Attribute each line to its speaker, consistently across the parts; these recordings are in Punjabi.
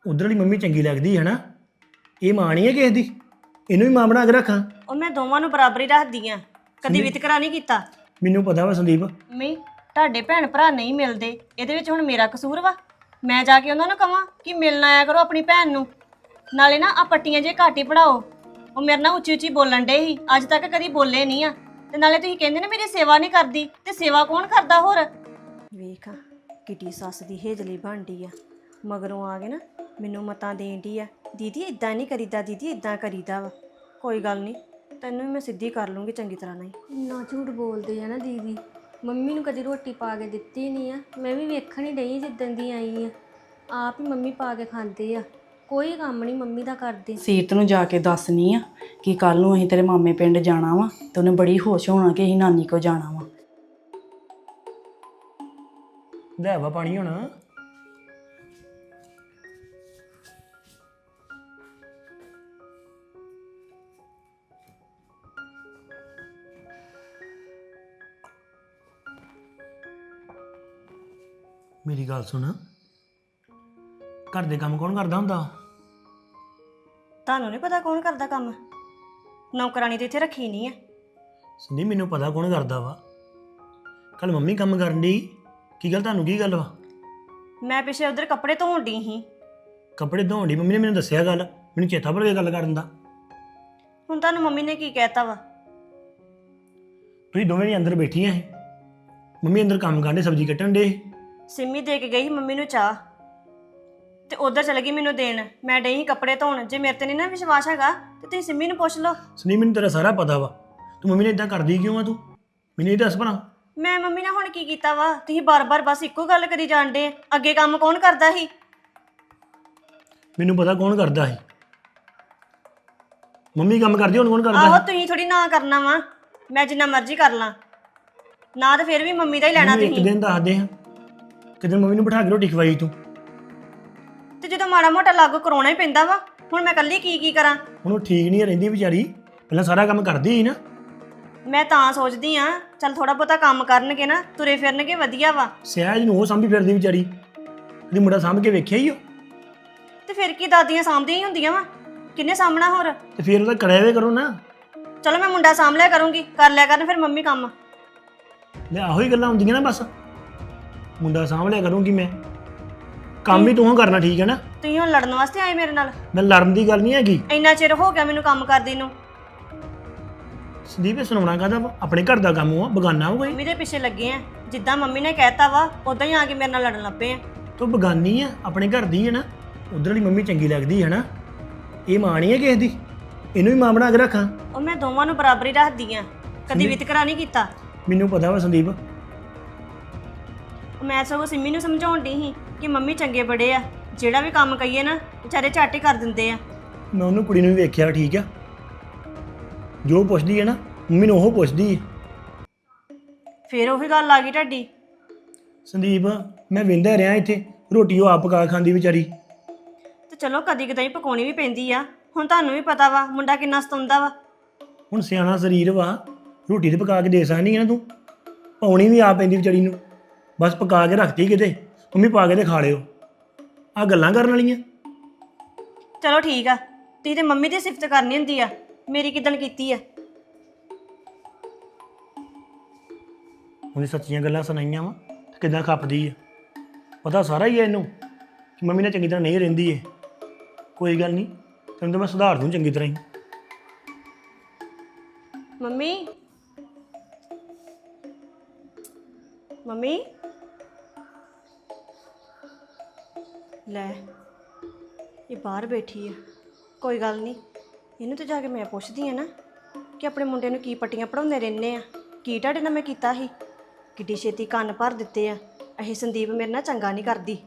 Speaker 1: ਉਧਰ ਵਾਲੀ ਮੰਮੀ ਚੰਗੀ ਲੱਗਦੀ ਹੈ ਨਾ। ਇਹ ਮਾਂ ਨਹੀਂ ਹੈ ਕਿਸੇ ਦੀ, ਇਹਨੂੰ ਵੀ ਮਾਂ ਬਣਾ ਕੇ ਰੱਖਾਂ।
Speaker 2: ਉਹ ਮੈਂ ਦੋਵਾਂ ਨੂੰ ਬਰਾਬਰ ਹੀ ਰੱਖਦੀ ਆ, ਕਦੀ ਵਿਤਕਰਾ ਨਹੀਂ ਕੀਤਾ।
Speaker 1: ਮੈਨੂੰ ਪਤਾ ਵਾ ਸੰਦੀਪ।
Speaker 2: ਮੰਮੀ ਤੁਹਾਡੇ ਭੈਣ ਭਰਾ ਨਹੀਂ ਮਿਲਦੇ, ਇਹਦੇ ਵਿੱਚ ਹੁਣ ਮੇਰਾ ਕਸੂਰ ਵਾ? ਮੈਂ ਜਾ ਕੇ ਉਹਨਾਂ ਨੂੰ ਕਹਾਂ ਕਿ ਮਿਲਣ ਆਇਆ ਕਰੋ ਆਪਣੀ ਭੈਣ ਨੂੰ। ਨਾਲੇ ਨਾ ਆ ਪੱਟੀਆਂ ਜੇ ਘੱਟ ਹੀ ਪੜਾਓ। ਉਹ ਮੇਰੇ ਨਾਲ ਉੱਚੀ ਉੱਚੀ ਬੋਲਣ ਡੇ ਸੀ, ਅੱਜ ਤੱਕ ਕਦੀ ਬੋਲੇ ਨਹੀਂ ਆ। ਤੇ ਨਾਲੇ ਤੁਸੀਂ ਕਹਿੰਦੇ ਨੇ ਮੇਰੀ ਸੇਵਾ ਨਹੀਂ ਕਰਦੀ, ਤੇ ਸੇਵਾ ਕੌਣ ਕਰਦਾ ਹੋਰ? ਵੇਖ ਕਿੱਡੀ ਸੱਸ ਦੀ ਹੇਜਲੀ ਬਣਦੀ ਆ, ਮਗਰੋਂ ਆ ਕੇ ਨਾ ਮੈਨੂੰ ਮਤਾਂ ਦੇਣ ਦੀ ਆ, ਦੀਦੀ ਇਦਾਂ ਨਹੀਂ ਕਰੀਦਾ, ਦੀਦੀ ਇਦਾਂ ਕਰੀਦਾ ਵਾ। ਕੋਈ ਗੱਲ ਨਹੀਂ, ਤੈਨੂੰ ਵੀ ਮੈਂ ਸਿੱਧੀ ਕਰ ਲੂੰਗੀ ਚੰਗੀ ਤਰ੍ਹਾਂ ਨਹੀਂ।
Speaker 3: ਇੰਨਾ ਝੂਠ ਬੋਲਦੇ ਆ ਨਾ ਦੀਦੀ। ਮੰਮੀ ਨੂੰ ਕਦੀ ਰੋਟੀ ਪਾ ਕੇ ਦਿੱਤੀ ਨਹੀਂ ਆ, ਮੈਂ ਵੀ ਵੇਖਣ ਹੀ ਡਈ ਜਿੱਦਣ ਦੀ ਆਈ ਆ। ਆਪ ਹੀ ਮੰਮੀ ਪਾ ਕੇ ਖਾਂਦੇ ਆ, ਕੋਈ ਕੰਮ ਨਹੀਂ ਮੰਮੀ ਦਾ ਕਰਦੇ।
Speaker 4: ਸੀਰਤ ਨੂੰ ਜਾ ਕੇ ਦੱਸਣੀ ਆ ਕਿ ਕੱਲ ਨੂੰ ਅਸੀਂ ਤੇਰੇ ਮਾਮੇ ਪਿੰਡ ਜਾਣਾ ਵਾ, ਤੇ ਉਹਨੇ ਬੜੀ ਖੁਸ਼ ਹੋਣਾ ਕਿ ਅਸੀਂ ਨਾਨੀ ਕੋ ਜਾਣਾ ਵਾ।
Speaker 1: ਲੈ ਵਾ ਪਾਣੀ ਹੁਣ। ਮੇਰੀ ਗੱਲ ਸੁਣ, ਘਰ ਦੇ ਕੰਮ ਕੌਣ ਕਰਦਾ ਹੁੰਦਾ?
Speaker 2: ਤੁਹਾਨੂੰ ਨਹੀਂ ਪਤਾ ਕੌਣ ਕਰਦਾ ਕੰਮ? ਨੌਕਰਾਨੀ ਤੇ ਇੱਥੇ ਰੱਖੀ ਨਹੀਂ ਆ।
Speaker 1: ਸੰਦੀਪ ਮੈਨੂੰ ਪਤਾ ਕੌਣ ਕਰਦਾ ਵਾ। ਕੱਲ ਮੰਮੀ ਕੰਮ ਕਰਨ ਦੀ, ਕੀ ਗੱਲ ਤੁਹਾਨੂੰ ਕੀ ਗੱਲ ਵਾ?
Speaker 2: ਮੈਂ ਪਿੱਛੇ ਉਧਰ ਕੱਪੜੇ ਧੋਣ ਡਈ ਸੀ।
Speaker 1: ਕੱਪੜੇ ਧੋਣ ਦੀ ਮੰਮੀ ਨੇ ਮੈਨੂੰ ਦੱਸਿਆ ਗੱਲ, ਮੈਨੂੰ ਚੇਤਾ ਭੁੱਲ ਗਿਆ ਗੱਲ ਕਰਨ ਦਾ।
Speaker 2: ਹੁਣ ਤੁਹਾਨੂੰ ਮੰਮੀ ਨੇ ਕੀ ਕਹਿਤਾ ਵਾ?
Speaker 1: ਤੁਸੀਂ ਦੋਵੇਂ ਨੇ ਅੰਦਰ ਬੈਠੀਆਂ ਸੀ, ਮੰਮੀ ਅੰਦਰ ਕੰਮ ਕਰਦੇ, ਸਬਜ਼ੀ ਕੱਟਣ ਦੇ।
Speaker 2: ਸਿੰਮੀ ਦੇ ਕੇ ਗਈ ਸੀ ਮੰਮੀ ਨੂੰ ਚਾਹ, ਤੇ ਉਧਰ ਚਲ ਗਈ ਮੈਨੂੰ ਦੇਣ। ਮੈਂ ਡਈ ਸੀ ਕੱਪੜੇ ਧੋਣ। ਜੇ ਮੇਰੇ ਤੇ ਨਹੀਂ ਨਾ ਵਿਸ਼ਵਾਸ ਹੈਗਾ ਤੇ ਤੁਸੀਂ ਸਿੰਮੀ ਨੂੰ ਪੁੱਛ ਲਓ।
Speaker 1: ਸੰਦੀਪ ਮੈਨੂੰ ਤੇਰਾ ਸਾਰਾ ਪਤਾ ਵਾ, ਤੂੰ ਮੰਮੀ ਨੇ ਇਦਾਂ ਕਰਦੀ ਕਿਉਂ ਆ? ਤੂੰ ਮੈਨੂੰ ਇਹ ਦੱਸ ਭਲਾ।
Speaker 2: ਮੈਂ ਮੰਮੀ ਨਾਲ ਹੁਣ ਕੀ ਕੀਤਾ ਵਾ? ਤੁਸੀਂ ਬਾਰ-ਬਾਰ ਬਸ ਇੱਕੋ ਗੱਲ ਕਰੀ ਜਾਂਦੇ। ਅੱਗੇ ਕੰਮ ਕੌਣ ਕਰਦਾ ਸੀ?
Speaker 1: ਮੈਨੂੰ ਪਤਾ ਕੌਣ ਕਰਦਾ ਸੀ। ਮੰਮੀ ਕੰਮ ਕਰਦੀ, ਹੁਣ ਕੌਣ ਕਰਦਾ
Speaker 2: ਆਹੋ,
Speaker 1: ਸੀ?
Speaker 2: ਤੁਸੀਂ ਥੋੜੀ ਨਾ ਕਰਨਾ ਵਾ, ਮੈਂ ਜਿੰਨਾ ਮਰਜ਼ੀ ਕਰ ਲਾਂ ਨਾ, ਤੇ ਫਿਰ ਵੀ ਮੰਮੀ ਦਾ ਹੀ ਲੈਣਾ
Speaker 1: ਮੈਨੂੰ ਇੱਕ
Speaker 2: ਤੁਸੀਂ।
Speaker 1: ਦਿਨ ਦੱਸਦੇ ਹਾਂ, ਕਿਤੇ ਮੰਮੀ ਨੂੰ ਬਿਠਾ ਕੇ ਰੋਟੀ ਖਵਾਈ ਤੂੰ।
Speaker 2: ਤੇ ਜਦੋਂ ਮਾੜਾ ਮੋਟਾ ਲਾਗੂ ਕਰਾਉਣਾ ਹੀ ਪੈਂਦਾ ਵਾ, ਹੁਣ ਮੈਂ ਇਕੱਲੀ ਕੀ ਕਰਾਂ?
Speaker 1: ਹੁਣ ਉਹ ਠੀਕ ਨਹੀਂ ਰਹਿੰਦੀ ਵਿਚਾਰੀ, ਪਹਿਲਾਂ ਸਾਰਾ ਕੰਮ ਕਰਦੀ ਸੀ ਨਾ।
Speaker 2: ਮੈਂ ਤਾਂ ਸੋਚਦੀ ਆ ਚੱਲ ਥੋੜਾ ਬਹੁਤਾ ਕੰਮ ਕਰਨਗੇ ਨਾ, ਤੁਰੇ ਫਿਰਨਗੇ, ਵਧੀਆ ਵਾ।
Speaker 1: ਸਹਿਜ ਨੂੰ ਉਹ ਸਾਂਭੀ ਫਿਰਦੀ ਵਿਚਾਰੀ, ਉਹਦੀ ਮੁੰਡਾ ਸਾਂਭ ਕੇ ਵੇਖਿਆ ਹੀ ਉਹ।
Speaker 2: ਤੇ ਫਿਰ ਕੀ ਦਾਦੀਆਂ ਸਾਂਭਦੀਆਂ ਹੀ ਹੁੰਦੀਆਂ ਵਾ, ਕਿੰਨੇ ਸਾਂਭਣਾ ਹੋਰ?
Speaker 1: ਤੇ ਫਿਰ ਉਹਦਾ ਕਰਿਆ ਵੇ ਕਰੋ ਨਾ।
Speaker 2: ਚਲੋ ਮੈਂ ਮੁੰਡਾ ਸਾਂਭ ਲਿਆ ਕਰੂੰਗੀ, ਕਰ ਲਿਆ ਕਰਨ ਫਿਰ ਮੰਮੀ ਕੰਮ।
Speaker 1: ਲੈ ਆਹੋ ਹੀ ਗੱਲਾਂ ਹੁੰਦੀਆਂ ਨਾ, ਬਸ ਮੁੰਡਾ ਸਾਂਭ ਲਿਆ ਕਰੂੰਗੀ ਮੈਂ, ਕੰਮ ਵੀ ਤੂੰ ਕਰਨਾ, ਠੀਕ ਹੈ ਨਾ?
Speaker 2: ਤੁਸੀਂ ਹੁਣ ਲੜਨ ਵਾਸਤੇ ਆਏ ਮੇਰੇ ਨਾਲ?
Speaker 1: ਮੈਂ ਲੜਨ ਦੀ ਗੱਲ ਨਹੀਂ ਹੈਗੀ।
Speaker 2: ਇੰਨਾ ਚਿਰ ਹੋ ਗਿਆ ਮੈਨੂੰ ਕੰਮ ਕਰਦੀ ਨੂੰ।
Speaker 1: ਸੰਦੀਪ ਸੁਣਾਉਣਾ ਕਾਹਦਾ ਵਾ? ਆਪਣੇ ਘਰ ਦਾ ਕੰਮ ਆ, ਬਗਾਨਾ ਹੋ ਕੋਈ?
Speaker 2: ਮੰਮੀ ਦੇ ਪਿੱਛੇ ਲੱਗੇ ਆ, ਜਿੱਦਾਂ ਮੰਮੀ ਨੇ ਕਹਿਤਾ ਵਾ ਉਦਾਂ ਹੀ ਆ ਕੇ ਮੇਰੇ ਨਾਲ ਲੜਨ ਲੱਗ ਪਏ ਆ।
Speaker 1: ਤੂੰ ਬਗਾਨੀ ਆ, ਆਪਣੇ ਘਰ ਦੀ ਹੈ ਨਾ। ਉਧਰ ਵਾਲੀ ਮੰਮੀ ਚੰਗੀ ਲੱਗਦੀ ਹੈ ਨਾ। ਇਹ ਮਾਂ ਨਹੀਂ ਹੈ ਕਿਸੇ ਦੀ, ਇਹਨੂੰ ਵੀ ਮਾਂ ਬਣਾ ਕੇ ਰੱਖਾਂ।
Speaker 2: ਉਹ ਮੈਂ ਦੋਵਾਂ ਨੂੰ ਬਰਾਬਰ ਹੀ ਰੱਖਦੀ ਆ, ਕਦੀ ਵਿਤਕਰਾ ਨਹੀਂ ਕੀਤਾ।
Speaker 1: ਮੈਨੂੰ ਪਤਾ ਵਾ ਸੰਦੀਪ।
Speaker 2: ਮੈਂ ਸਗੋਂ ਸਿੰਮੀ ਨੂੰ ਸਮਝਾਉਣ ਡਈ ਸੀ ਕਿ ਮੰਮੀ ਚੰਗੇ ਬੜੇ ਆ, ਜਿਹੜਾ ਵੀ ਕੰਮ ਕਹੀਏ ਨਾ ਵਿਚਾਰੇ ਝੱਟ ਹੀ ਕਰ ਦਿੰਦੇ ਆ।
Speaker 1: ਮੈਂ ਉਹਨੂੰ ਕੁੜੀ ਨੂੰ ਵੀ ਵੇਖਿਆ, ਠੀਕ ਆ? ਜੋ ਪੁੱਛਦੀ ਹੈ ਨਾ ਮੰਮੀ ਨੂੰ ਉਹ ਪੁੱਛਦੀ ਹੈ।
Speaker 2: ਫਿਰ ਉਹੀ ਗੱਲ ਆ ਗਈ ਤੁਹਾਡੀ।
Speaker 1: ਸੰਦੀਪ ਮੈਂ ਵਿੰਦਾ ਰਿਹਾ ਇੱਥੇ, ਰੋਟੀ ਉਹ ਆਪ ਪਕਾ ਖਾਂਦੀ ਵਿਚਾਰੀ।
Speaker 2: ਤੇ ਚਲੋ ਕਦੀ ਕਦਾਈ ਪਕਾਉਣੀ ਵੀ ਪੈਂਦੀ ਆ। ਹੁਣ ਤੁਹਾਨੂੰ ਵੀ ਪਤਾ ਵਾ ਮੁੰਡਾ ਕਿੰਨਾ ਸਤਾਉਂਦਾ ਵਾ।
Speaker 1: ਹੁਣ ਸਿਆਣਾ ਸਰੀਰ ਵਾ, ਰੋਟੀ ਤੇ ਪਕਾ ਕੇ ਦੇ ਸਕਦੀ ਹੈ ਨਾ ਤੂੰ? ਪਾਉਣੀ ਵੀ ਆਪ ਪੈਂਦੀ ਵਿਚਾਰੀ ਨੂੰ, ਬਸ ਪਕਾ ਕੇ ਰੱਖਤੀ ਕਿਤੇ, ਮੰਮੀ ਪਾ ਕੇ ਤੇ ਖਾ ਲਿਓ। ਆਹ ਗੱਲਾਂ ਕਰਨ ਵਾਲੀਆਂ?
Speaker 2: ਚਲੋ ਠੀਕ ਆ, ਤੁਸੀਂ ਤੇ ਮੰਮੀ ਦੀ ਸਿਫਤ ਕਰਨੀ ਹੁੰਦੀ ਆ, ਮੇਰੀ ਕਿੱਦਣ ਕੀਤੀ ਆ?
Speaker 1: ਉਹਨੇ ਸੱਚੀਆਂ ਗੱਲਾਂ ਸੁਣਾਈਆਂ ਵਾ ਤੇ ਕਿੱਦਾਂ ਖੱਪਦੀ ਆ। ਪਤਾ ਸਾਰਾ ਹੀ ਹੈ ਇਹਨੂੰ ਕਿ ਮੰਮੀ ਨਾਲ ਚੰਗੀ ਤਰ੍ਹਾਂ ਨਹੀਂ ਰਹਿੰਦੀ ਏ। ਕੋਈ ਗੱਲ ਨਹੀਂ, ਤੈਨੂੰ ਤਾਂ ਮੈਂ ਸੁਧਾਰ ਦੂੰ ਚੰਗੀ ਤਰ੍ਹਾਂ ਹੀ।
Speaker 2: ਮੰਮੀ, ਮੰਮੀ ਲੈ, ਇਹ ਬਾਹਰ ਬੈਠੀ ਆ। ਕੋਈ ਗੱਲ ਨਹੀਂ, ਇਹਨੂੰ ਤੇ ਜਾ ਕੇ ਮੈਂ ਪੁੱਛਦੀ ਆ ਨਾ ਕਿ ਆਪਣੇ ਮੁੰਡੇ ਨੂੰ ਕੀ ਪੱਟੀਆਂ ਪੜਾਉਂਦੇ ਰਹਿੰਦੇ ਆ, ਕੀ ਤੁਹਾਡੇ ਨਾਲ ਮੈਂ ਕੀਤਾ ਸੀ? ਕਿੱਡੀ ਛੇਤੀ ਕੰਨ ਭਰ ਦਿੱਤੇ ਆ। ਇਹ ਸੰਦੀਪ ਮੇਰੇ ਨਾਲ ਚੰਗਾ ਨਹੀਂ ਕਰਦੀ।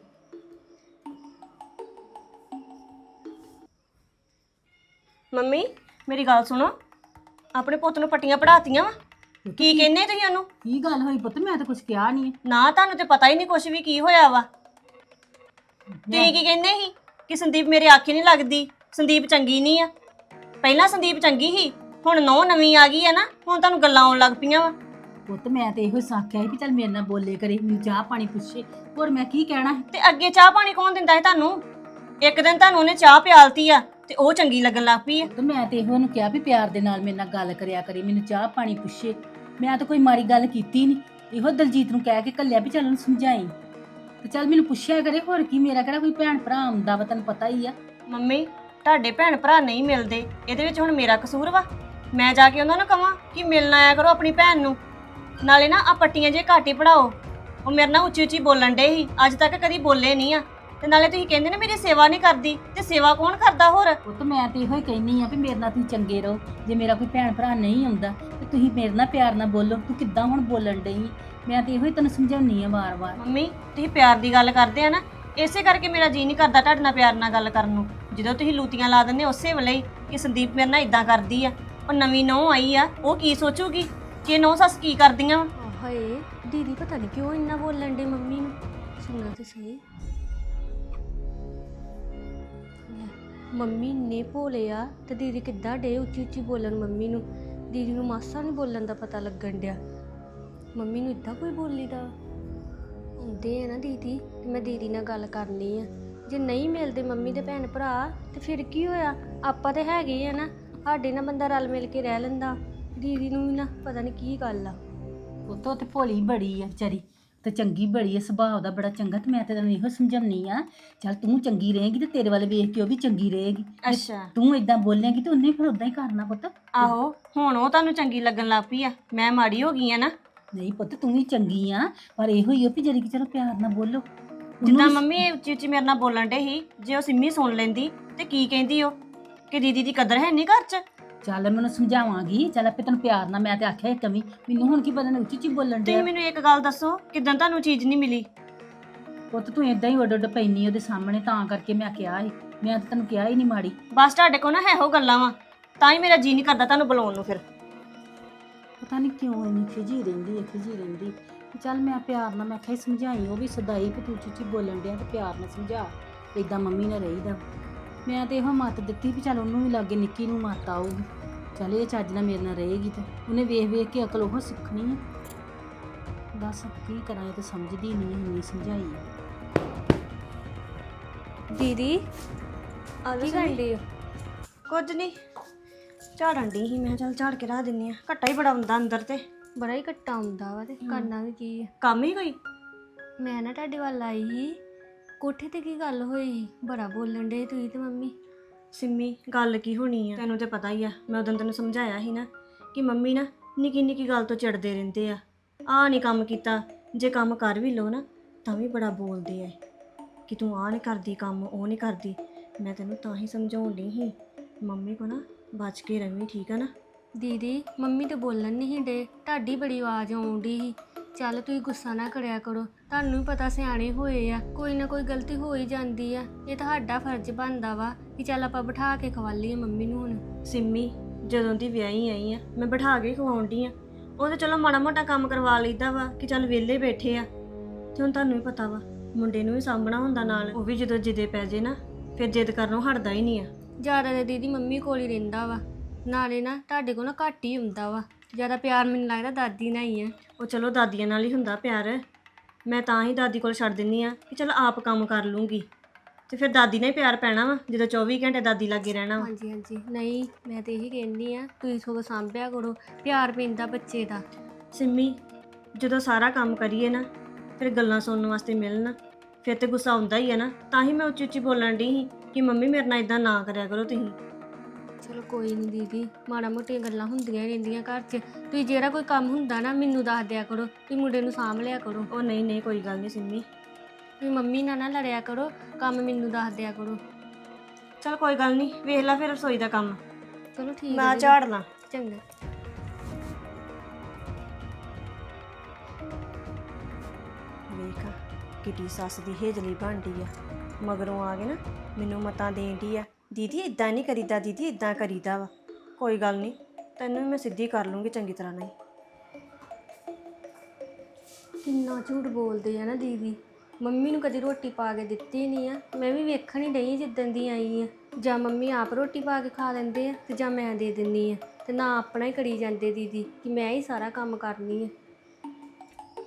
Speaker 2: ਮੰਮੀ ਮੇਰੀ ਗੱਲ ਸੁਣੋ, ਆਪਣੇ ਪੁੱਤ ਨੂੰ ਪੱਟੀਆਂ ਪੜਾਤੀਆਂ ਵਾ, ਕੀ ਕਹਿੰਦੇ ਤੁਸੀਂ ਉਹਨੂੰ?
Speaker 4: ਕੀ ਗੱਲ ਹੋਈ ਪੁੱਤ? ਮੈਂ ਤਾਂ ਕੁਝ ਕਿਹਾ ਨਹੀਂ।
Speaker 2: ਨਾ ਤੁਹਾਨੂੰ ਤੇ ਪਤਾ ਹੀ ਨਹੀਂ ਕੁਛ ਵੀ ਕੀ ਹੋਇਆ ਵਾ। ਤੁਸੀਂ ਕੀ ਕਹਿੰਦੇ ਸੀ ਕਿ ਸੰਦੀਪ ਮੇਰੇ ਆਖੇ ਨਹੀਂ ਲੱਗਦੀ, ਸੰਦੀਪ ਚੰਗੀ ਨਹੀਂ ਆ। ਪਹਿਲਾਂ ਸੰਦੀਪ ਚੰਗੀ ਸੀ, ਹੁਣ ਨੌ ਨਵੀਂ ਆ ਗਈ ਆ ਨਾ, ਹੁਣ ਤੁਹਾਨੂੰ ਗੱਲਾਂ ਆਉਣ ਲੱਗ ਪਈਆਂ ਵਾ।
Speaker 5: ਪੁੱਤ ਮੈਂ ਤੇ ਇਹੋ ਸਾਖਿਆ ਸੀ ਵੀ ਚੱਲ ਮੇਰੇ ਨਾਲ ਬੋਲੇ ਕਰੇ, ਮੈਨੂੰ ਚਾਹ ਪਾਣੀ ਪੁੱਛੇ, ਹੋਰ ਮੈਂ ਕੀ ਕਹਿਣਾ ਸੀ?
Speaker 2: ਤੇ ਅੱਗੇ ਚਾਹ ਪਾਣੀ ਕੌਣ ਦਿੰਦਾ ਹੈ ਤੁਹਾਨੂੰ? ਇੱਕ ਦਿਨ ਤੁਹਾਨੂੰ ਉਹਨੇ ਚਾਹ ਪਿਆਲਤੀ ਆ ਤੇ ਉਹ ਚੰਗੀ ਲੱਗਣ ਲੱਗ ਪਈ ਆ।
Speaker 5: ਤੇ ਮੈਂ ਤੇ ਇਹੋ ਉਹਨੂੰ ਕਿਹਾ ਵੀ ਪਿਆਰ ਦੇ ਨਾਲ ਮੇਰੇ ਨਾਲ ਗੱਲ ਕਰਿਆ ਕਰੇ, ਮੈਨੂੰ ਚਾਹ ਪਾਣੀ ਪੁੱਛੇ। ਮੈਂ ਤਾਂ ਕੋਈ ਮਾੜੀ ਗੱਲ ਕੀਤੀ ਨਹੀਂ। ਇਹੋ ਦਲਜੀਤ ਨੂੰ ਕਹਿ ਕੇ ਘੱਲਿਆ ਵੀ ਚੱਲ ਉਹਨੂੰ ਸਮਝਾਈ ਤੇ ਚੱਲ ਮੈਨੂੰ ਪੁੱਛਿਆ ਕਰੇ। ਹੋਰ ਕੀ, ਮੇਰਾ ਕਿਹੜਾ ਕੋਈ ਭੈਣ ਭਰਾ ਆਉਂਦਾ ਵਾ, ਤੈਨੂੰ ਪਤਾ ਹੀ ਆ।
Speaker 2: ਮੰਮੀ ਤੁਹਾਡੇ ਭੈਣ ਭਰਾ ਨਹੀਂ ਮਿਲਦੇ, ਇਹਦੇ ਵਿੱਚ ਹੁਣ ਮੇਰਾ ਕਸੂਰ ਵਾ? ਮੈਂ ਜਾ ਕੇ ਉਹਨਾਂ ਨੂੰ ਕਹਾਂ ਕਿ ਮਿਲਣ ਆਇਆ ਕਰੋ ਆਪਣੀ ਭੈਣ ਨੂੰ। ਨਾਲੇ ਨਾ ਆ ਪੱਟੀਆਂ ਜੇ ਘੱਟ ਹੀ ਪੜਾਓ। ਉਹ ਮੇਰੇ ਨਾਲ ਉੱਚੀ ਉੱਚੀ ਬੋਲਣ ਡੇ ਸੀ, ਅੱਜ ਤੱਕ ਕਦੀ ਬੋਲੇ ਨਹੀਂ ਆ। ਤੇ ਨਾਲੇ ਤੁਸੀਂ ਕਹਿੰਦੇ ਨੇ ਮੇਰੀ ਸੇਵਾ ਨਹੀਂ ਕਰਦੀ, ਤੇ ਸੇਵਾ ਕੌਣ ਕਰਦਾ ਹੋਰ?
Speaker 5: ਉਹ ਤਾਂ ਮੈਂ ਤੇ ਇਹੋ ਹੀ ਕਹਿੰਨੀ ਆ ਵੀ ਮੇਰੇ ਨਾਲ ਤੁਸੀਂ ਚੰਗੇ ਰਹੋ। ਜੇ ਮੇਰਾ ਕੋਈ ਭੈਣ ਭਰਾ ਨਹੀਂ ਆਉਂਦਾ ਤੇ ਤੁਸੀਂ ਮੇਰੇ ਨਾਲ ਪਿਆਰ ਨਾਲ ਬੋਲੋ। ਤੂੰ ਕਿੱਦਾਂ ਹੁਣ ਬੋਲਣ ਡਈ? ਮੈਂ ਤੇ ਇਹੋ ਹੀ ਤੈਨੂੰ ਸਮਝਾਉਣੀ ਆ ਵਾਰ-ਵਾਰ।
Speaker 2: ਮੰਮੀ ਤੁਸੀਂ ਪਿਆਰ ਦੀ ਗੱਲ ਕਰਦੇ ਆ ਨਾ, ਇਸੇ ਕਰਕੇ ਮੇਰਾ ਜੀ ਨਹੀਂ ਕਰਦਾ ਤੁਹਾਡੇ ਨਾਲ ਪਿਆਰ ਨਾਲ ਗੱਲ ਕਰਨ ਨੂੰ। ਜਦੋਂ ਤੁਸੀਂ ਲੂਤੀਆਂ ਲਾ ਦਿੰਦੇ ਉਸੇ ਵੇਲੇ ਹੀ ਕਿ ਸੰਦੀਪ ਮੇਰੇ ਨਾਲ ਇਦਾਂ ਕਰਦੀ ਆ। ਉਹ ਨਵੀਂ ਨੂੰਹ ਆਈ ਆ, ਉਹ ਕੀ ਸੋਚੂਗੀ ਕਿ ਨੂੰਹ ਸੱਸ ਕੀ ਕਰਦੀਆਂ ਵਾ।
Speaker 3: ਹਾਏ ਦੀਦੀ ਪਤਾ ਨਹੀਂ ਕਿਉਂ ਇੰਨਾ ਬੋਲਣ ਡੇ ਮੰਮੀ ਨੂੰ। ਸੁਣੋ ਤੇ ਸਹੀ, ਮੰਮੀ ਨੇ ਭੋਲੇ ਆ ਤੇ ਦੀਦੀ ਕਿੱਦਾਂ ਡੇ ਉੱਚੀ ਉੱਚੀ ਬੋਲਣ ਮੰਮੀ ਨੂੰ। ਦੀਦੀ ਨੂੰ ਮਾਸਾ ਨਹੀਂ ਬੋਲਣ ਦਾ ਪਤਾ ਲੱਗਣ ਡਿਆ। ਮੰਮੀ ਨੂੰ ਇੱਦਾਂ ਕੋਈ ਬੋਲੀ ਦਾ ਹੁੰਦੇ ਆ ਨਾ ਦੀਦੀ, ਤੇ ਮੈਂ ਦੀਦੀ ਨਾਲ ਗੱਲ ਕਰਨੀ ਆ। ਜੇ ਨਹੀਂ ਮਿਲਦੇ ਮੰਮੀ ਦੇ ਭੈਣ ਭਰਾ ਤੇ ਫਿਰ ਕੀ ਹੋਇਆ? ਆਪਾਂ ਤੇ ਹੈਗੇ ਆ ਨਾ, ਸਾਡੇ ਨਾਲ ਬੰਦਾ ਰਲ ਮਿਲ ਕੇ ਰਹਿ ਲੈਂਦਾ। ਦੀਦੀ ਨੂੰ ਵੀ ਨਾ ਪਤਾ ਨਹੀਂ ਕੀ ਗੱਲ ਆ।
Speaker 5: ਉਹ ਤਾਂ ਤੇ ਭੋਲੀ ਬੜੀ ਆ ਵਿਚਾਰੀ, ਤੇ ਚੰਗੀ ਬੜੀ ਆ, ਸੁਭਾਅ ਦਾ ਬੜਾ ਚੰਗਾ। ਤੇ ਮੈਂ ਤੇ ਤੈਨੂੰ ਇਹੋ ਸਮਝਾਉਣੀ ਆ, ਚੱਲ ਤੂੰ ਚੰਗੀ ਰਹੇਗੀ ਤੇ ਤੇਰੇ ਵੱਲ ਵੇਖ ਕੇ ਉਹ ਵੀ ਚੰਗੀ ਰਹੇਗੀ। ਜੇ
Speaker 2: ਅੱਛਾ
Speaker 5: ਤੂੰ ਇਦਾਂ ਬੋਲੇਂਗੀ ਤੇ ਉਹਨੇ ਫਿਰ ਉਦਾਂ ਹੀ ਕਰਨਾ ਪੁੱਤ।
Speaker 2: ਆਹੋ, ਹੁਣ ਉਹ ਤੁਹਾਨੂੰ ਚੰਗੀ ਲੱਗਣ ਲੱਗ ਪਈ ਆ। ਮੈਂ ਮਾੜੀ ਹੋ ਗਈ ਆ ਨਾ?
Speaker 5: ਨਹੀਂ ਪੁੱਤ, ਤੂੰ ਵੀ ਚੰਗੀ ਆ, ਪਰ ਇਹੋ ਹੀ ਆ ਵੀ ਜਿਹੜੀ ਕਿ ਚਲੋ ਪਿਆਰ ਨਾਲ ਬੋਲੋ।
Speaker 2: ਜਿੱਦਾਂ ਮੰਮੀ ਇਹ ਉੱਚੀ ਉੱਚੀ ਮੇਰੇ ਨਾਲ ਬੋਲਣ ਡੇ ਸੀ, ਜੇ ਉਹ ਸਿੰਮੀ ਸੁਣ ਲੈਂਦੀ ਤੇ ਕੀ ਕਹਿੰਦੀ ਉਹ ਕਿ ਦੀਦੀ ਦੀ ਕਦਰ ਹੈ ਨਹੀਂ ਘਰ 'ਚ?
Speaker 5: ਚੱਲ ਮੈਨੂੰ ਸਮਝਾਵਾਂਗੀ, ਚੱਲ ਆਪੇ ਤੈਨੂੰ ਪਿਆਰ ਨਾਲ। ਮੈਂ ਤੇ ਆਖਿਆ ਇੱਕ ਕਮੀ, ਮੈਨੂੰ ਹੁਣ ਕੀ ਪਤਾ ਨੇ ਉੱਚੀ ਉੱਚੀ ਬੋਲਣ
Speaker 2: ਤੁਸੀਂ
Speaker 5: ਡਿਆ।
Speaker 2: ਮੈਨੂੰ ਇੱਕ ਗੱਲ ਦੱਸੋ, ਕਿਦਾਂ ਤੁਹਾਨੂੰ ਚੀਜ਼ ਨਹੀਂ ਮਿਲੀ?
Speaker 5: ਪੁੱਤ ਤੂੰ ਇਦਾਂ ਹੀ ਉੱਡ ਉੱਡ ਪੈਣੀ ਉਹਦੇ ਸਾਹਮਣੇ, ਤਾਂ ਕਰਕੇ ਮੈਂ ਕਿਹਾ ਸੀ। ਮੈਂ ਤਾਂ ਤੈਨੂੰ ਕਿਹਾ ਹੀ ਨਹੀਂ ਮਾੜੀ।
Speaker 2: ਬਸ ਤੁਹਾਡੇ ਕੋਲ ਨਾ ਇਹੋ ਗੱਲਾਂ ਵਾ, ਤਾਂ ਹੀ ਮੇਰਾ ਜੀ ਨਹੀਂ ਕਰਦਾ ਤੁਹਾਨੂੰ ਬੁਲਾਉਣ ਨੂੰ। ਫਿਰ
Speaker 5: ਪਤਾ ਨਹੀਂ ਕਿਉਂ ਇੰਨੀ ਖਿਜੀ ਰਹਿੰਦੀ। ਚੱਲ ਮੈਂ ਪਿਆਰ ਨਾਲ, ਮੈਂ ਕਿਹਾ ਸੀ ਸਮਝਾਈ। ਉਹ ਵੀ ਸਦਾਈ ਵੀ ਤੂੰ ਉੱਚੀ ਬੋਲਣ ਡਿਆ ਤੇ ਪਿਆਰ ਨਾਲ ਸਮਝਾ, ਇਦਾਂ ਮੰਮੀ ਨਾਲ ਰਹੀਦਾ। ਮੈਂ ਤੇ ਇਹੋ ਮੱਤ ਦਿੱਤੀ ਵੀ ਚੱਲ ਉਹਨੂੰ ਵੀ ਲਾਗੇ ਨਿੱਕੀ ਨੂੰ ਮੱਤ ਆਊਗੀ। ਚੱਲ ਇਹ ਚੱਜ ਨਾਲ ਮੇਰੇ ਨਾਲ ਰਹੇਗੀ ਤੇ ਉਹਨੇ ਵੇਖ ਵੇਖ ਕੇ ਅਕਲ ਉਹ ਸਿੱਖਣੀ ਆ। ਦੱਸ ਕੀ ਕਰਾਂ, ਇਹ ਤਾਂ ਸਮਝਦੀ ਨਹੀਂ ਇੰਨੀ ਸਮਝਾਈ ਆ।
Speaker 3: ਦੀਦੀ ਕੀ ਕਰਦੇ ਹੋ?
Speaker 2: ਕੁਝ ਨਹੀਂ, ਝਾੜਨ ਦੀ ਸੀ। ਮੈਂ ਚੱਲ ਝਾੜ ਕੇ ਰੱਖ ਦਿੰਨੀ ਆ, ਘੱਟਾ ਹੀ ਬੜਾ ਹੁੰਦਾ ਅੰਦਰ ਤੇ।
Speaker 3: ਬੜਾ ਹੀ ਘੱਟਾ ਹੁੰਦਾ ਵਾ, ਤੇ ਕਰਨਾ ਵੀ ਕੀ ਆ।
Speaker 2: ਕੰਮ ਹੀ ਕੋਈ?
Speaker 3: ਮੈਂ ਨਾ ਤੁਹਾਡੇ ਵੱਲ ਆਈ ਸੀ, ਕੋਠੇ ਤੇ ਕੀ ਗੱਲ ਹੋਈ? ਬੜਾ ਬੋਲਣ ਡੇ ਤੁਸੀਂ ਤੇ ਮੰਮੀ।
Speaker 2: ਸਿੰਮੀ ਗੱਲ ਕੀ ਹੋਣੀ ਆ, ਤੈਨੂੰ ਤੇ ਪਤਾ ਹੀ ਆ। ਮੈਂ ਉਦੋਂ ਤੈਨੂੰ ਸਮਝਾਇਆ ਸੀ ਨਾ ਕਿ ਮੰਮੀ ਨਾ ਨਿੱਕੀ ਨਿੱਕੀ ਗੱਲ ਤੋਂ ਚਿੜਦੇ ਰਹਿੰਦੇ ਆ। ਆਹ ਨਹੀਂ ਕੰਮ ਕੀਤਾ, ਜੇ ਕੰਮ ਕਰ ਵੀ ਲਓ ਨਾ ਤਾਂ ਵੀ ਬੜਾ ਬੋਲਦੇ ਆ ਕਿ ਤੂੰ ਆਹ ਨਹੀਂ ਕਰਦੀ ਕੰਮ, ਉਹ ਨਹੀਂ ਕਰਦੀ। ਮੈਂ ਤੈਨੂੰ ਤਾਂ ਹੀ ਸਮਝਾਉਣ ਡਈ ਸੀ, ਮੰਮੀ ਕੋ ਨਾ ਬਚ ਕੇ ਰਵੀਂ, ਠੀਕ ਆ ਨਾ?
Speaker 3: ਦੀਦੀ ਮੰਮੀ ਤੇ ਬੋਲਣ ਨਹੀਂ ਡੇ, ਤੁਹਾਡੀ ਬੜੀ ਆਵਾਜ਼ ਆਉਂਦੀ ਸੀ। ਚੱਲ ਤੁਸੀਂ ਗੁੱਸਾ ਨਾ ਕਰਿਆ ਕਰੋ, ਤੁਹਾਨੂੰ ਵੀ ਪਤਾ ਸਿਆਣੇ ਹੋਏ ਆ, ਕੋਈ ਨਾ ਕੋਈ ਗਲਤੀ ਹੋ ਹੀ ਜਾਂਦੀ ਆ। ਇਹ ਤੁਹਾਡਾ ਫਰਜ਼ ਬਣਦਾ ਵਾ ਕਿ ਚੱਲ ਆਪਾਂ ਬਿਠਾ ਕੇ ਖਵਾ ਲਈਏ ਮੰਮੀ ਨੂੰ। ਹੁਣ
Speaker 2: ਸਿੰਮੀ ਜਦੋਂ ਦੀ ਵਿਆਹੀ ਆਈ ਆ, ਮੈਂ ਬਿਠਾ ਕੇ ਖਵਾਉਣ ਡਈ ਆ। ਉਹ ਤੇ ਚਲੋ ਮਾੜਾ ਮੋਟਾ ਕੰਮ ਕਰਵਾ ਲਈਦਾ ਵਾ ਕਿ ਚੱਲ ਵਿਹਲੇ ਬੈਠੇ ਆ। ਤੇ ਹੁਣ ਤੁਹਾਨੂੰ ਵੀ ਪਤਾ ਵਾ ਮੁੰਡੇ ਨੂੰ ਵੀ ਸਾਂਭਣਾ ਹੁੰਦਾ ਨਾਲ। ਉਹ ਵੀ ਜਦੋਂ ਜਿੱਦੇ ਪੈ ਜੇ ਨਾ ਫਿਰ ਜਿੱਦ ਕਰਨੋਂ ਹਟਦਾ ਹੀ ਨਹੀਂ ਆ।
Speaker 3: ਜ਼ਿਆਦਾ ਤਾਂ ਦੀਦੀ ਮੰਮੀ ਕੋਲ ਹੀ ਰਹਿੰਦਾ ਵਾ, ਨਾਲੇ ਨਾ ਤੁਹਾਡੇ ਕੋਲ ਨਾ ਘੱਟ ਹੀ ਹੁੰਦਾ ਵਾ। ਜ਼ਿਆਦਾ ਪਿਆਰ ਮੈਨੂੰ ਲੱਗਦਾ ਦਾਦੀ ਨਾਲ ਹੀ ਆ।
Speaker 2: ਉਹ ਚਲੋ ਦਾਦੀਆਂ ਨਾਲ ਹੀ ਹੁੰਦਾ ਪਿਆਰ। ਮੈਂ ਤਾਂ ਹੀ ਦਾਦੀ ਕੋਲ ਛੱਡ ਦਿੰਦੀ ਆ ਕਿ ਚਲ ਆਪ ਕੰਮ ਕਰ ਲੂੰਗੀ, ਤੇ ਫਿਰ ਦਾਦੀ ਨਾਲ ਹੀ ਪਿਆਰ ਪੈਣਾ ਵਾ ਜਦੋਂ 24 ਘੰਟੇ ਦਾਦੀ ਲਾਗੇ ਰਹਿਣਾ ਵਾ।
Speaker 3: ਹਾਂਜੀ ਹਾਂਜੀ, ਨਹੀਂ ਮੈਂ ਤੇ ਇਹੀ ਕਹਿੰਦੀ ਆ ਤੁਸੀਂ ਸਗੋਂ ਸਾਂਭਿਆ ਕਰੋ, ਪਿਆਰ ਪੈਂਦਾ ਬੱਚੇ ਦਾ।
Speaker 2: ਸਿੰਮੀ ਜਦੋਂ ਸਾਰਾ ਕੰਮ ਕਰੀਏ ਨਾ ਫਿਰ ਗੱਲਾਂ ਸੁਣਨ ਵਾਸਤੇ ਮਿਲਣ, ਫਿਰ ਤੇ ਗੁੱਸਾ ਆਉਂਦਾ ਹੀ ਆ ਨਾ। ਤਾਂ ਹੀ ਮੈਂ ਉੱਚੀ ਉੱਚੀ ਬੋਲਣ ਡਈ ਸੀ ਕਿ ਮੰਮੀ ਮੇਰੇ ਨਾਲ ਇਦਾਂ ਨਾ ਕਰਿਆ ਕਰੋ ਤੁਸੀਂ।
Speaker 3: ਚਲੋ ਕੋਈ ਨਹੀਂ ਦੀਦੀ, ਮਾੜਾ ਮੋਟੀਆਂ ਗੱਲਾਂ ਹੁੰਦੀਆਂ ਹੀ ਰਹਿੰਦੀਆਂ ਘਰ 'ਚ। ਤੁਸੀਂ ਜਿਹੜਾ ਕੋਈ ਕੰਮ ਹੁੰਦਾ ਨਾ ਮੈਨੂੰ ਦੱਸ ਦਿਆ ਕਰੋ ਵੀ ਮੁੰਡੇ ਨੂੰ ਸਾਂਭ ਲਿਆ ਕਰੋ।
Speaker 2: ਉਹ ਨਹੀਂ ਨਹੀਂ ਕੋਈ ਗੱਲ ਨਹੀਂ ਸਿੰਮੀ,
Speaker 3: ਵੀ ਮੰਮੀ ਨਾਲ ਨਾ ਲੜਿਆ ਕਰੋ, ਕੰਮ ਮੈਨੂੰ ਦੱਸ ਦਿਆ ਕਰੋ।
Speaker 2: ਚਲ ਕੋਈ ਗੱਲ ਨਹੀਂ, ਵੇਖ ਲੈ ਫਿਰ ਰਸੋਈ ਦਾ ਕੰਮ।
Speaker 3: ਚਲੋ ਠੀਕ
Speaker 2: ਮੈਂ
Speaker 3: ਹੈ
Speaker 2: ਝਾੜ ਲਾਂ।
Speaker 3: ਚੰਗਾ।
Speaker 2: ਵੇਖ ਕਿੱਡੀ ਸੱਸ ਦੀ ਹੇਜਲੀ ਬਣਦੀ ਆ, ਮਗਰੋਂ ਆ ਕੇ ਨਾ ਮੈਨੂੰ ਮਤਾਂ ਦੇਣ ਡਈ ਆ, ਦੀਦੀ ਇਦਾਂ ਨਹੀਂ ਕਰੀਦਾ, ਦੀਦੀ ਇਦਾਂ ਕਰੀਦਾ ਵਾ। ਕੋਈ ਗੱਲ ਨਹੀਂ, ਤੈਨੂੰ ਵੀ ਮੈਂ ਸਿੱਧੀ ਕਰ ਲੂੰਗੀ ਚੰਗੀ ਤਰ੍ਹਾਂ ਨਾਲ।
Speaker 3: ਕਿੰਨਾ ਝੂਠ ਬੋਲਦੇ ਆ ਨਾ ਦੀਦੀ। ਮੰਮੀ ਨੂੰ ਕਦੀ ਰੋਟੀ ਪਾ ਕੇ ਦਿੱਤੀ ਨਹੀਂ ਆ। ਮੈਂ ਵੀ ਵੇਖਣ ਹੀ ਡਈ ਜਿੱਦਣ ਦੀ ਆਈ ਆ। ਜਾਂ ਮੰਮੀ ਆਪ ਰੋਟੀ ਪਾ ਕੇ ਖਾ ਲੈਂਦੇ ਆ ਤੇ ਜਾਂ ਮੈਂ ਦੇ ਦਿੰਦੀ ਆ, ਤੇ ਨਾ ਆਪਣਾ ਹੀ ਕਰੀ ਜਾਂਦੇ ਦੀਦੀ ਕਿ ਮੈਂ ਹੀ ਸਾਰਾ ਕੰਮ ਕਰਨੀ ਆ।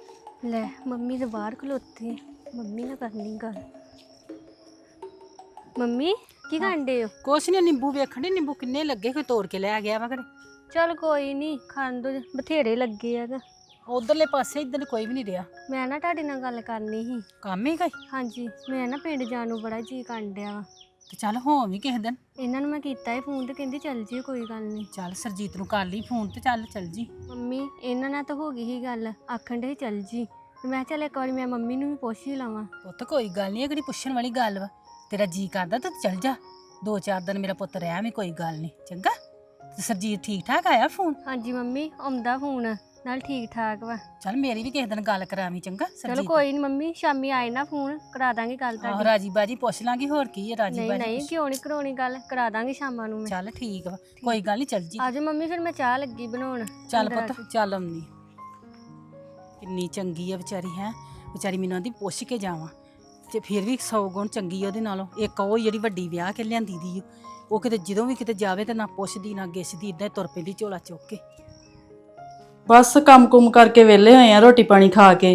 Speaker 3: ਲੈ ਮੰਮੀ ਦੇ ਬਾਹਰ ਖਲੋਤੇ, ਮੰਮੀ ਨਾਲ ਕਰਨੀ ਗੱਲ। ਮੰਮੀ ਕੀ ਕਰਦੇ ਹੋ?
Speaker 5: ਕੁਛ ਨਹੀਂ, ਨਿੰਬੂ ਵੇਖਣ ਦੇ ਨਿੰਬੂ ਕਿੰਨੇ ਲੱਗੇ, ਕੋਈ ਤੋੜ ਕੇ ਲੈ ਗਿਆ ਵਾ ਘਰੇ।
Speaker 3: ਚਲ ਕੋਈ ਨਹੀਂ, ਖਾਣ ਦੋ, ਬਥੇਰੇ ਲੱਗੇ ਆ।
Speaker 5: ਉਧਰਲੇ ਪਾਸੇ ਇੱਧਰ ਕੋਈ ਵੀ ਨਹੀਂ ਰਿਹਾ।
Speaker 3: ਮੈਂ ਨਾ ਤੁਹਾਡੇ ਨਾਲ ਗੱਲ ਕਰਨੀ ਸੀ।
Speaker 5: ਕੰਮ ਹੀ ਕੋਈ?
Speaker 3: ਹਾਂਜੀ, ਮੈਂ ਨਾ ਪਿੰਡ ਜਾਣ ਨੂੰ ਬੜਾ ਜੀ ਕਰਨ ਡਿਆ ਵਾ।
Speaker 5: ਤੇ ਚੱਲ ਹੋ ਵੀ ਕਿਸੇ ਦਿਨ।
Speaker 3: ਇਹਨਾਂ ਨੂੰ ਮੈਂ ਕੀਤਾ ਇਹ ਫੋਨ ਤੇ ਕਹਿੰਦੀ ਚੱਲ ਜੀ, ਕੋਈ ਗੱਲ ਨਹੀਂ।
Speaker 5: ਚੱਲ ਸਰਜੀਤ ਨੂੰ ਕਰ ਲਈ ਫੋਨ ਤੇ ਚੱਲ ਜੀ।
Speaker 3: ਮੰਮੀ ਇਹਨਾਂ ਨਾਲ ਤਾਂ ਹੋ ਗਈ ਸੀ ਗੱਲ, ਆਖਣ ਦੇ ਚੱਲ ਜੀ। ਤੇ ਮੈਂ ਚੱਲ ਇੱਕ ਵਾਰੀ ਮੈਂ ਮੰਮੀ ਨੂੰ ਵੀ ਪੁੱਛ ਹੀ ਲਵਾਂ।
Speaker 5: ਪੁੱਤ ਕੋਈ ਗੱਲ ਨਹੀਂ, ਇਹ ਕਿਹੜੀ ਪੁੱਛਣ ਵਾਲੀ ਗੱਲ ਵਾ। ਤੇਰਾ ਜੀ ਕਰਦਾ ਤਾਂ ਚੱਲ ਜਾ, 2-4 ਦਿਨ ਮੇਰਾ ਪੁੱਤ ਰਹਿ ਵੀ, ਕੋਈ ਗੱਲ ਨਹੀਂ, ਚੰਗਾ। ਤੇ ਸਰਜੀਤ ਠੀਕ ਠਾਕ ਆਇਆ ਫੋਨ?
Speaker 3: ਹਾਂਜੀ ਮੰਮੀ, ਆਉਂਦਾ ਫੋਨ, ਨਾਲ ਠੀਕ ਠਾਕ ਵਾ।
Speaker 5: ਚੱਲ ਮੇਰੀ ਵੀ ਕਿਸੇ ਦਿਨ ਗੱਲ ਕਰਾਵੀਂ, ਚੰਗਾ
Speaker 3: ਚਲੋ ਕੋਈ ਨਹੀਂ ਮੰਮੀ, ਸ਼ਾਮੀ ਆਏ ਨਾ ਫੋਨ ਕਰਾ ਦਾਂਗੇ ਗੱਲ
Speaker 5: ਆਹੋ
Speaker 3: ਤੁਹਾਡੀ।
Speaker 5: ਰਾਜੀ ਬਾਜੀ ਪੁੱਛ ਲਾਂਗੀ, ਹੋਰ ਕੀ ਹੈ ਰਾਜੀ
Speaker 3: ਨਹੀਂ
Speaker 5: ਬਾਜੀ
Speaker 3: ਨਹੀਂ, ਕਿਉਂ ਨਹੀਂ ਕਰਾਉਣੀ ਗੱਲ, ਕਰਾ ਦਾਂਗੇ ਸ਼ਾਮਾਂ ਨੂੰ ਮੈਂ।
Speaker 5: ਚੱਲ ਠੀਕ ਵਾ, ਕੋਈ ਗੱਲ ਨਹੀਂ, ਚੱਲ ਜੀ।
Speaker 3: ਆਜੋ ਮੰਮੀ, ਫਿਰ ਮੈਂ ਚਾਹ ਲੱਗੀ ਬਣਾਉਣ।
Speaker 5: ਚੱਲ
Speaker 3: ਅੰਦਰ ਆ
Speaker 5: ਪੁੱਤ
Speaker 3: ਕੇ।
Speaker 5: ਚੱਲ ਆਉਂਦੀ। ਕਿੰਨੀ ਚੰਗੀ ਆ ਵਿਚਾਰੀ, ਹੈ ਵਿਚਾਰੀ, ਮੈਨੂੰ ਆਂਦੀ ਪੁੱਛ ਕੇ ਜਾਵਾਂ, ਤੇ ਫਿਰ ਵੀ 100 ਗੁਣ ਚੰਗੀ ਆ ਉਹਦੇ ਨਾਲੋਂ। ਇੱਕ ਉਹ ਜਿਹੜੀ ਵੱਡੀ ਵਿਆਹ ਕੇ ਲਿਆਂਦੀ ਦੀ ਓ, ਉਹ ਕਿਤੇ ਜਦੋਂ ਵੀ ਕਿਤੇ ਜਾਵੇ ਤੇ ਨਾ ਪੁੱਛਦੀ ਨਾ ਗਿੱਛਦੀ, ਇਦਾਂ ਹੀ ਤੁਰ ਪੈਂਦੀ ਝੋਲਾ ਚੁੱਕ ਕੇ।
Speaker 4: ਬਸ ਕੰਮ-ਕੁਮ ਕਰਕੇ ਵਿਹਲੇ ਹੋਏ ਆ, ਰੋਟੀ ਪਾਣੀ ਖਾ ਕੇ।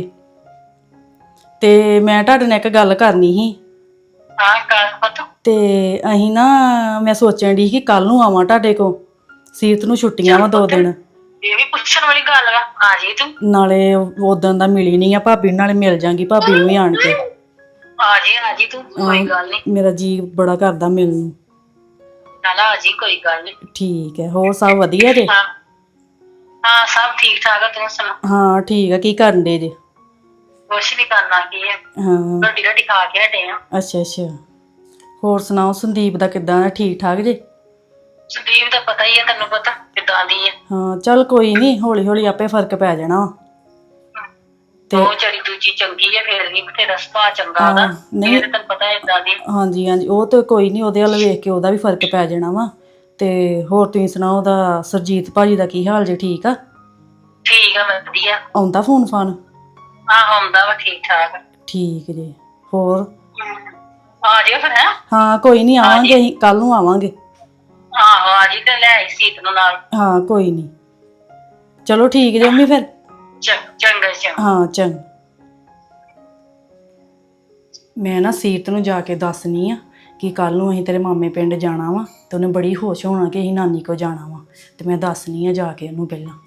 Speaker 4: ਤੇ ਮੈਂ ਤੁਹਾਡੇ ਨਾਲ ਇੱਕ ਗੱਲ ਕਰਨੀ ਸੀ।
Speaker 6: ਹਾਂ ਕਰ ਪਤਾ।
Speaker 4: ਤੇ ਅਸੀਂ ਨਾ, ਮੈਂ ਸੋਚਣ ਦੀ ਕਿ ਕੱਲ ਨੂੰ ਆਵਾਂ ਤੁਹਾਡੇ ਕੋ। ਸੀਰਤ ਨੂੰ ਛੁੱਟੀਆਂ ਵਾ 2 ਦਿਨ।
Speaker 6: ਇਹ ਵੀ ਪੁੱਛਣ ਵਾਲੀ ਗੱਲ ਵਾ, ਆ ਜੀ ਤੂੰ।
Speaker 4: ਨਾਲੇ ਉਦੋਂ ਦਾ ਮਿਲੀ ਨਹੀਂ ਆ ਭਾਬੀ ਨੂੰ, ਨਾਲੇ ਮਿਲ ਜਾਂਗੀ ਭਾਬੀ ਨੂੰ ਵੀ ਆਣ ਕੇ।
Speaker 6: ਆ ਜੀ ਤੂੰ, ਕੋਈ ਗੱਲ ਨਹੀਂ।
Speaker 4: ਮੇਰਾ ਜੀ ਬੜਾ ਕਰਦਾ ਮਿਲਣ ਨੂੰ।
Speaker 6: ਨਾਲ ਆ ਜੀ, ਕੋਈ ਗੱਲ ਨਹੀਂ।
Speaker 4: ਠੀਕ ਹੈ, ਹੋਰ ਸਭ ਵਧੀਆ ਜੇ?
Speaker 6: ਹਾਂ ਹਾਂ, ਸਭ ਠੀਕ ਠਾਕ ਆ, ਤੂੰ ਸੁਣਾ?
Speaker 4: ਹਾਂ ਠੀਕ ਆ, ਕੀ ਕਰਨ ਦੇ ਜੇ?
Speaker 6: ਕੁਛ ਨਹੀਂ ਕਰਨਾ, ਕੀ ਹੈ,
Speaker 4: ਹਾਂ
Speaker 6: ਰੋਟੀ ਖਾ ਕੇ ਹਟੇ ਆ।
Speaker 4: ਅੱਛਾ। ਹੋਰ ਸੁਣਾਓ, ਸੰਦੀਪ ਦਾ ਕਿੱਦਾਂ ਹੈ? ਠੀਕ ਠਾਕ ਜੇ?
Speaker 6: ਸੰਦੀਪ ਦਾ ਪਤਾ ਹੀ ਹੈ, ਤੈਨੂੰ ਪਤਾ ਕਿੱਦਾਂ ਦੀ ਹੈ।
Speaker 4: ਹਾਂ ਚੱਲ ਕੋਈ ਨਹੀਂ, ਹੌਲੀ ਹੌਲੀ ਆਪੇ ਫਰਕ ਪੈ ਜਾਣਾ ਵਾ। ਤੇ
Speaker 6: ਉਹ ਚੜੀ ਦੂਜੀ ਚੰਗੀ ਹੈ, ਫੇਰ ਵੀ ਬਥੇਰਾ ਸੁਭਾਅ ਚੰਗਾ ਉਹਦਾ।
Speaker 4: ਨਹੀਂ।
Speaker 6: ਇਹ ਤਾਂ ਤੈਨੂੰ ਪਤਾ ਏਦਾਂ ਦੀ।
Speaker 4: ਹਾਂਜੀ ਉਹ ਤੇ ਕੋਈ ਨਹੀਂ, ਉਹਦੇ ਵੱਲ ਵੇਖ ਕੇ ਉਹਦਾ ਵੀ ਫਰਕ ਪੈ ਜਾਣਾ ਵਾ। ਤੇ ਹੋਰ ਤੁਸੀਂ ਸੁਣਾਓ, ਉਹਦਾ ਸਰਜੀਤ ਭਾਜੀ ਦਾ ਕੀ ਹਾਲ ਜੇ? ਠੀਕ ਆ?
Speaker 6: ਠੀਕ ਆ, ਵਧੀਆ।
Speaker 4: ਆਉਂਦਾ ਫੋਨ ਫਾਨ?
Speaker 6: ਆਉਂਦਾ ਵਾ, ਠੀਕ ਠਾਕ।
Speaker 4: ਠੀਕ ਜੇ। ਹੋਰ?
Speaker 6: ਆ ਜਿਓ ਫਿਰ। ਹੈ
Speaker 4: ਹਾਂ ਕੋਈ ਨਹੀਂ, ਆਵਾਂਗੇ ਅਸੀਂ, ਕੱਲ ਨੂੰ ਆਵਾਂਗੇ।
Speaker 6: ਆਹੋ ਆ ਜੀ, ਤੇ ਲੈ ਆਈ ਸੀਤ ਨੂੰ ਨਾਲ।
Speaker 4: ਹਾਂ ਕੋਈ ਨਹੀਂ, ਚਲੋ ਠੀਕ ਜੇ ਮੰਮੀ ਫਿਰ।
Speaker 6: ਚੰਗਾ।
Speaker 4: ਹਾਂ ਚੰਗਾ। ਮੈਂ ਨਾ ਸੀਰਤ ਨੂੰ ਜਾ ਕੇ ਦੱਸਣੀ ਆ ਕਿ ਕੱਲ ਨੂੰ ਅਸੀਂ ਤੇਰੇ ਮਾਮੇ ਪਿੰਡ ਜਾਣਾ ਵਾ, ਤੇ ਉਹਨੇ ਬੜੀ ਖੁਸ਼ ਹੋਣਾ ਕਿ ਅਸੀਂ ਨਾਨੀ ਕੋ ਜਾਣਾ ਵਾ। ਤੇ ਮੈਂ ਦੱਸਣੀ ਆ ਜਾ ਕੇ ਉਹਨੂੰ ਪਹਿਲਾਂ।